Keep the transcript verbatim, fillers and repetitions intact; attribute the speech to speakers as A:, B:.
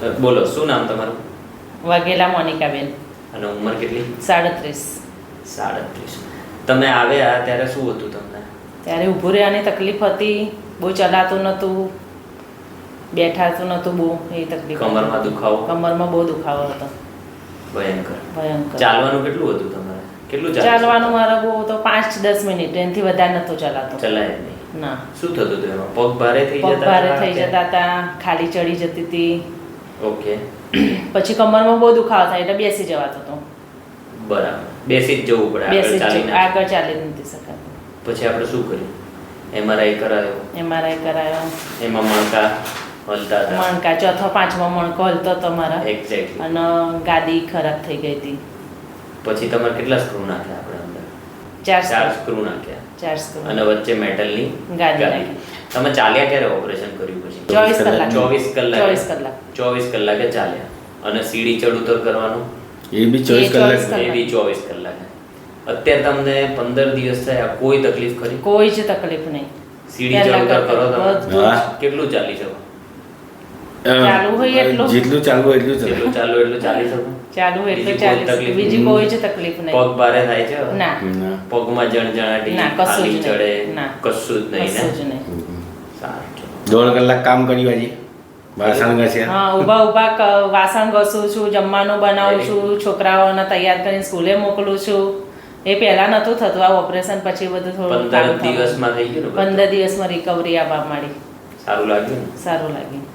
A: બોલો, શું નામ તમારું?
B: વાઘેલા મોનિકાબેન.
A: અને ઉંમર કેટલી?
B: સાડત્રીસ.
A: સાડત્રીસ. તમે આવ્યા ત્યારે શું હતું તમને?
B: ત્યારે ઊભું રહેવાની તકલીફ હતી, બહુ ચલાતું નહોતું, બેઠાતું નહોતું, બહુ એ તકલીફ.
A: કમરમાં દુખાવો?
B: કમરમાં બહુ દુખાવો હતો.
A: ભયંકર.
B: ભયંકર.
A: ચાલવાનું કેટલું હતું તમારે? કેટલું
B: ચાલવાનું મારે બહુ તો પાંચ દસ મિનિટ, એનાથી વધારે નહોતું ચલાતું.
A: ચલાય નહીં?
B: ના.
A: શું થતું હતું એમાં? પગ ભારે થઈ જતા?
B: પગ ભારે થઈ જતા હતા, ખાલી ચડી જતી હતી.
A: ઓકે.
B: પછી કમરમાં બહુ દુખાવો થાય એટલે બેસી જવાતો હતો.
A: બરાબર, બેસી જ જવું પડે.
B: બેસી જ
A: ચાલીને
B: આગળ ચાલી નથી શકાતું.
A: પછી આપણે શું કર્યું? એમઆરઆઈ કરાયો?
B: એમઆરઆઈ કરાયો.
A: એમાં મણકા હલતા હતા?
B: મણકા ચોથો પાંચમો મણકો હલતો હતો મારા.
A: એક્ઝેક્ટલી.
B: અને ગાદી ખરાબ થઈ ગઈ હતી.
A: પછી તમારે કેટલા સ્ક્રૂ નાખ્યા આપણે અંદર?
B: ચાર
A: ચાર સ્ક્રૂ નાખ્યા.
B: ચાર સ્ક્રૂ.
A: અને વચ્ચે મેટલની
B: ગાદી નાખી.
A: તમે ચાલ્યા ક્યારે ઓપરેશન કર્યું પછી?
B: ચોવીસ કલાક.
A: ચોવીસ કલાક.
B: ચોવીસ કલાક.
A: ચોવીસ કલાકે ચાલ્યા. અને સીડી ચડ ઉતર કરવાનું?
C: એ બી ચોવીસ કલાક.
A: એ બી ચોવીસ કલાકે. અત્યારે તમને પંદર દિવસ થયા, કોઈ તકલીફ ખરી?
B: કોઈ જ તકલીફ નહીં.
A: સીડી ચડ ઉતર કરો તમે?
C: હા.
A: કેટલું ચાલી શકો?
B: ચાલુ હોય એટલું.
C: જેટલું ચાલવું હોય એટલું
A: જેટલું
C: ચાલે.
A: ચાલુ એટલું ચાલી શકો?
B: ચાલુ હોય
A: બીજી
B: એટલું
A: કોઈ
B: ચાલી
A: તકલીફ?
B: બીજી કોઈ જ તકલીફ નહીં.
A: પગ ભારે થાય છે?
B: ના.
C: ના.
A: પગમાં જણજણાટી,
B: ના, કશું
A: ખાલી
B: જ નહીં.
A: ચડે?
B: ના.
A: કશું જ નહીં
B: કશું
A: ને?
B: જ નહીં.
A: સારું, ચલો.
C: દોઢ કલાક કામ કર્યું આજે. વાસણ ઘસ્યા.
B: હા, ઊભા ઊભા ક- વાસણ ઘસું છું, જમવાનું બનાવું છું, છોકરાઓને તૈયાર કરીને સ્કૂલે મોકલું છું. એ પહેલા નહોતું થતું, આ ઓપરેશન પછી બધું થોડું
A: પંદર
B: કામ થયું.
A: દિવસમાં થઈ ગયું ને બધું?
B: પંદર દિવસમાં રિકવરી આવવા માંડી.
A: સારું લાગ્યું ને?
B: સારું લાગ્યું.